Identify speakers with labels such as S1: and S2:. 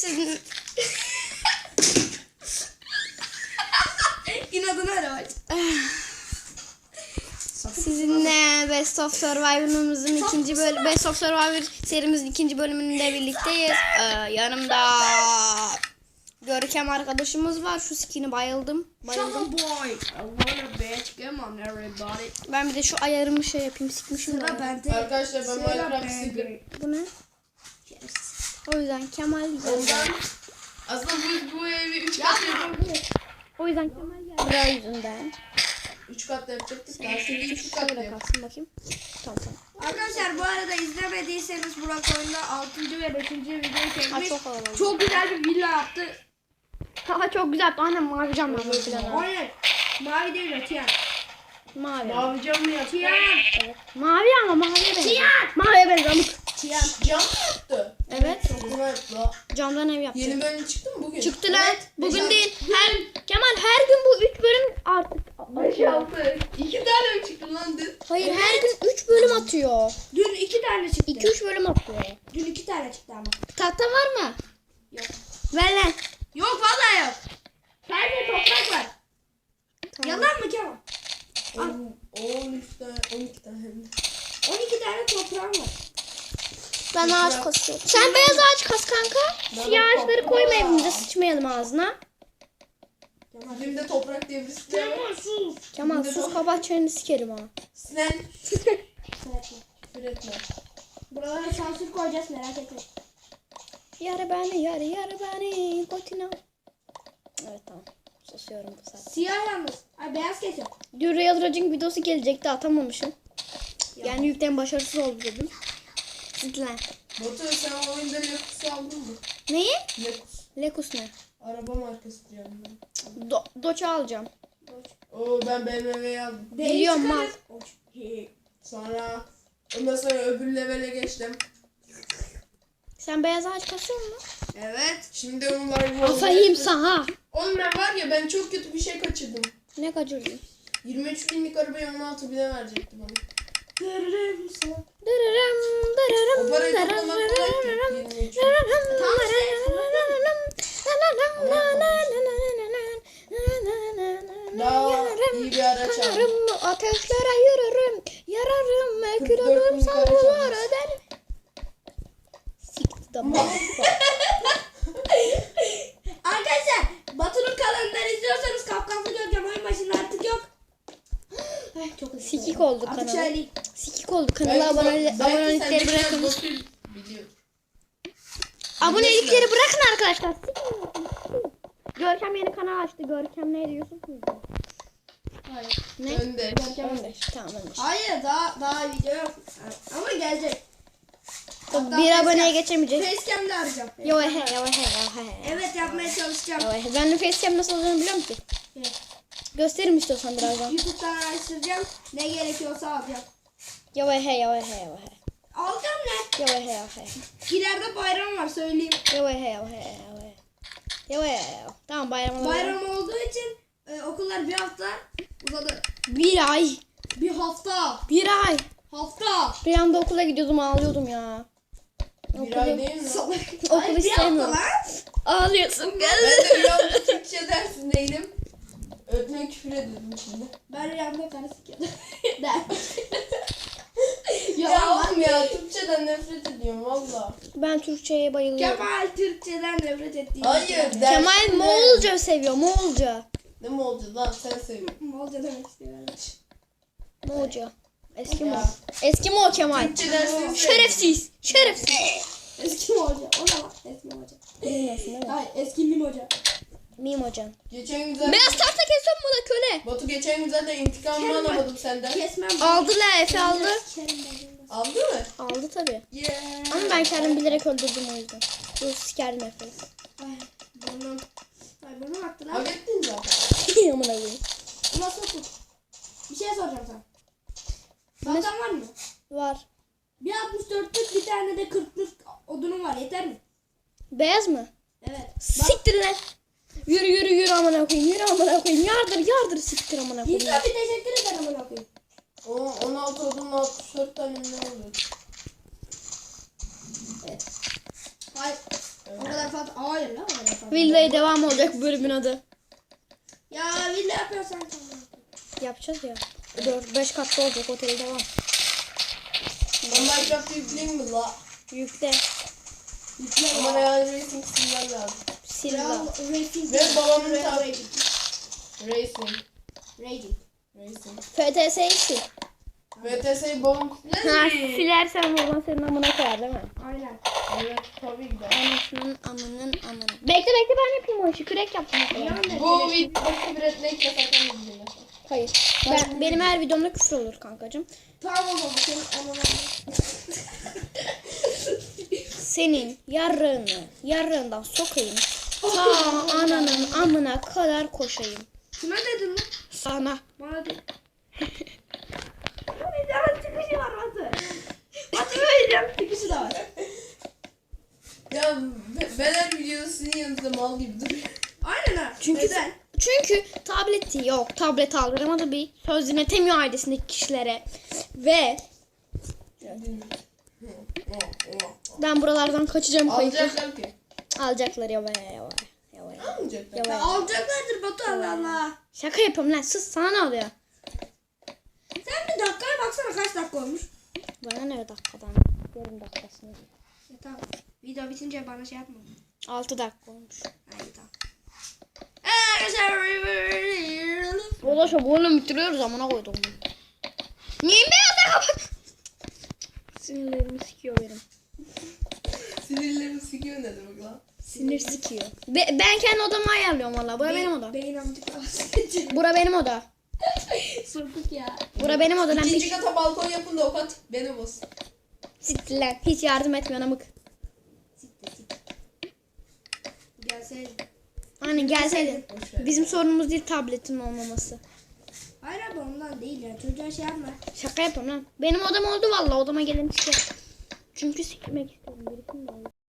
S1: Sizin...
S2: İnadına ara.
S1: Sizinle Best of Survivor'ımızın ikinci bölüm, Best of Survivor serimizin ikinci bölümünde birlikteyiz. Yanımda Görkem arkadaşımız var. Şu skin'i bayıldım.
S2: Shut boy. I wanna bitch. Come on everybody.
S1: Ben bir de şu ayarımı şey yapayım, sikmişim.
S2: Sıra bende.
S3: Arkadaşlar ben Minecraft sıkıyorum.
S1: Bu ne? O yüzden Kemal
S3: Ondan aslında bu evi 3 kat yapabiliriz.
S1: O yüzden Kemal geldi. O yüzünden.
S3: 3 kat yapacaktık. Ben seni 3 kat
S1: Şöyle
S3: yapayım.
S1: kalsın bakayım. Tamam.
S2: Arkadaşlar bu arada izlemediyseniz Burak oyunda 6. ve 5. videoyu çekmiş.
S1: Çok havalı.
S2: Çok güzel bir villa yaptı.
S1: Ha çok güzel. Aynen mavi cam yapmış falan.
S2: Aynen. Mavi değil o tiyan.
S1: Mavi.
S3: Mavi cam mı yaptı?
S2: Tiyan.
S1: Evet. Mavi ama maviye benziyor. Maviye benziyor.
S2: Tiyan.
S3: Cam mı yaptı?
S1: Evet.
S3: Çok güzel yaptı la.
S1: Camdan ev yaptı.
S3: Yeni bölüm çıktı mı bugün?
S1: Çıktı lan. Bugün
S3: beş-
S1: değil. Kemal her gün bu 3 bölüm artık.
S3: 5-6. 2 tane mi çıktı lan dün?
S1: Hayır her gün 3 bölüm atıyor.
S2: Dün 2 tane çıktı.
S1: 2-3 bölüm atıyor.
S2: Dün 2 tane çıktı ama.
S1: Tahta var mı?
S2: Yok.
S1: Ver lan.
S2: Yok vallahi yok. Sadece toprak var.
S1: Tamam.
S2: Yalan mı Kemal?
S3: 13 tane, 12 tane hem de.
S2: 12 tane toprağım var.
S1: Ben ağaç kasıyorum. Sen beyaz ağaç kas kanka.
S3: Ben
S1: Siyah
S3: de
S1: ağaçları
S3: toprak.
S1: koyma evimize, sıçmayalım ağzına.
S3: Bizim de toprak diye birisi de var.
S2: sus.
S1: Kemal sus, kapat çeneni sikerim ha.
S3: Sinan
S2: Küfür etme.
S3: küfür etme.
S2: Buralara sansür koyacağız merak etme.
S1: Yarı beni, yarı beni. Kotina. Evet tamam. Susuyorum bu sefer.
S2: Siyah yalnız. Ay beyaz kesiyor.
S1: Dün Real Raging videosu gelecekti, atamamışım. Yani yükten başarısız oldu dedim. Lan.
S3: Batu sen o oyunda Lekus'u aldın mı?
S1: Neyi?
S3: Lekus.
S1: Lekus ne?
S3: Araba markası diyorum ben.
S1: Doç'u alacağım.
S3: Oo ben BMW'yi aldım.
S1: Biliyorum mal.
S3: Sonra ondan sonra öbür levele geçtim.
S1: Sen beyaz ağaç kasıyor musun?
S2: Evet.
S3: Şimdi onlar
S1: Afayım sana.
S3: Oğlum ben var ya ben çok kötü bir şey kaçırdım.
S1: Ne kaçırdın?
S3: 23 binlik arabayı 16 bine verecekti bana.
S2: Görürüm sana.
S1: Dırırım, dırırım,
S3: O parayı
S1: dırırım,
S3: toplamak kolay ki.
S1: dırırım,
S3: 23
S1: dırırım,
S2: Tamam işte.
S3: Daha iyi bir araç aldım.
S1: Yanarım, ateşlere yürürüm, yararım,
S3: 44
S1: külürüm,
S3: bin kare
S1: savrular
S3: çalmış.
S1: ederim. Siktir de bak.
S2: Arkadaşlar Batu'nun kanalından izliyorsanız Kafkaslı Görkem oyun başında artık yok. Ay, çok hızlı.
S1: Sikik oldu
S2: Artık
S1: kanala.
S2: söyleyeyim.
S1: Sikik oldu kanala, abonelikleri bırakınız.
S3: Biliyor.
S1: Abonelikleri bırakın arkadaşlar. Görkem yeni kanal açtı. Görkem neydi, Yusuf muydu?
S2: Hayır.
S1: Ne?
S3: Önde.
S1: Görkem Öndeş. Tamam Öndeş.
S2: Hayır daha video yok. Ama gelecek. Hatta
S1: Bir aboneye
S2: facecam-
S1: geçemeyecek.
S2: Facecam'de arayacağım.
S1: Yo he yo he yo he.
S2: Evet yapmaya çalışacağım.
S1: Yo he. Ben de facecam nasıl olacağını biliyorum ki.
S2: Evet.
S1: Gösteririm istiyorsan birazdan.
S2: YouTube'dan araştıracağım. Ne gerekiyorsa alacağım.
S1: Yo he yo he yo he.
S2: Alacağım ne?
S1: Yo he yo he.
S2: İleride bayram var söyleyeyim.
S1: Yo he yo he yo he. Yo he yo. Tamam bayram.
S2: Bayram olduğu için okullar bir hafta uzadı.
S1: Bir ay.
S2: Bir hafta.
S1: Bir ay.
S2: Hafta.
S1: Bir anda okula gidiyordum, ağlıyordum ya.
S3: Bir ay değil mi?
S2: Salak.
S1: Okul
S2: Ay, bir hafta
S1: istemiyorum.
S2: lan.
S1: Ağlıyorsun
S3: Ben
S1: gel.
S3: de rüyamda Türkçe dersindeydim. Öğretmen küfür ediyordum şimdi.
S2: Ben rüyamda karı sikiyordum.
S3: Ya oğlum ya Türkçeden nefret ediyorum valla.
S1: Ben Türkçe'ye bayılıyorum.
S2: Kemal Türkçeden nefret ettiğim.
S3: Hayır
S1: Kemal
S3: dersinde-
S1: Moğolca seviyor, Moğolca.
S3: Ne mi oldu lan sen söyle.
S2: Molca demek istiyorum.
S1: Moğolca. Eski Moğol.
S3: Ya.
S1: Eski Moğol Kemal.
S3: Türkçe dersini
S1: Şerefsiz. Şerefsiz.
S2: Eski Molca. O ne lan? Eski Molca.
S1: Bilmiyorsun değil mi?
S2: Hayır eski Mim Hoca.
S1: Miyim hocam.
S3: Geçen güzel.
S1: Beyaz tahta kesiyor mu da köle?
S3: Batu geçen güzel de intikamımı
S2: Kerim
S3: alamadım senden.
S2: Kesmem.
S1: Aldı la, Efe aldı.
S3: Aldı mı?
S1: Aldı tabii.
S3: Yeah.
S1: Ama ben kendim bilerek öldürdüm o yüzden. Dur sikerdim Efe'yi.
S2: Ay burnum. Ay burnum aktı lan.
S3: Hak ettin zaten.
S1: Amına koyayım.
S2: Nasıl tut? Bir şey soracağım sana. Baltan var mı?
S1: Var.
S2: Bir 64'lük bir tane de 40'lık odunum var. Yeter mi?
S1: Beyaz mı?
S2: Evet.
S1: Siktir lan. Yürü yürü yürü amına koyayım. Yürü amına koyayım. Yardır siktir amına koyayım.
S2: İnsan bir teşekkür ederim amına koyayım.
S3: O 16 odunla 64 tane mi ne oluyor?
S2: Evet. Hayır. O kadar Rafat hayır lan o Rafat.
S1: Villa'ya devam olacak bu bölümün adı.
S2: Ya villa yapıyorsan tamam.
S1: Yapacağız ya. 4-5 katlı olacak otel devam.
S3: Ben Minecraft'ı yükleyeyim mi la?
S1: Yükle.
S3: Ama Real Racing silmem lazım.
S1: Silva.
S2: Racing.
S3: Ve babamın
S2: Real
S3: tabi.
S2: Racing.
S3: Racing.
S2: Racing.
S3: Racing.
S1: FTS'yi sil.
S3: VTS'yi babam siler
S1: Ha,
S3: mi?
S1: silersen baban senin amına koyar değil mi?
S2: Aynen.
S3: Evet tabii ki de.
S1: Anasının amının amını. Bekle ben yapayım o işi. Kürek yaptım.
S3: Bu videoda küfür etmek yasak mı?
S1: Hayır. Benim her videomda küfür olur kankacığım.
S2: Tamam o zaman senin ananı.
S1: Senin yarrığından sokayım. Ta ananın amına kadar koşayım.
S2: Kime dedin lan?
S1: Sana.
S2: Bana de. Bir daha çıkışı var Batı. Batı vereceğim çıkışı da var.
S3: Ya ben her videoda sizin yanınızda mal gibi duruyorum.
S2: Aynen ha.
S1: Çünkü
S2: Neden?
S1: tableti yok. Tablet aldıramadı bir söz dinletemiyor ailesindeki kişilere. Ve ben buralardan kaçacağım kayıtlı.
S3: Alacaklar ki.
S1: Alacaklar ya.
S3: Almayacaklar.
S2: Ya alacaklardır Batu Allah Allah.
S1: Şaka yapıyorum lan. Sus, sana ne oluyor?
S2: Sen bir dakikaya baksana kaç dakika olmuş.
S1: Bana ne dakikadan? Yarım dakikasını.
S2: Ya tamam. Video bitince bana şey yapma.
S1: 6 dakika olmuş.
S2: Hayır tamam.
S1: Dolaşa bunu bitiriyoruz amına koydum. Niye beyaz kapat? Sinirlerimi sikiyor benim.
S3: Sinirlerimi sikiyor ne demek lan?
S1: Sinir sikiyor. Ben kendi odamı ayarlıyorum valla. Bura benim oda.
S2: Beyin amcık
S1: Bura benim oda.
S2: Sokuk ya.
S1: Bura benim oda. Lan
S3: İkinci
S1: bir
S3: kata balkon yapın da o kat benim olsun.
S1: siktir lan. Hiç yardım etmiyor amık.
S2: Siktir. Gelseydi.
S1: Aynen gelseydin.
S3: Boş ver.
S1: Bizim sorunumuz değil tabletin olmaması.
S2: Hayır abi ondan değil ya. Çocuğa şey yapma.
S1: Şaka yapıyorum lan. Benim odam oldu valla. Odama gelin işte. Çünkü sikmek istedim. Birikim de oldu.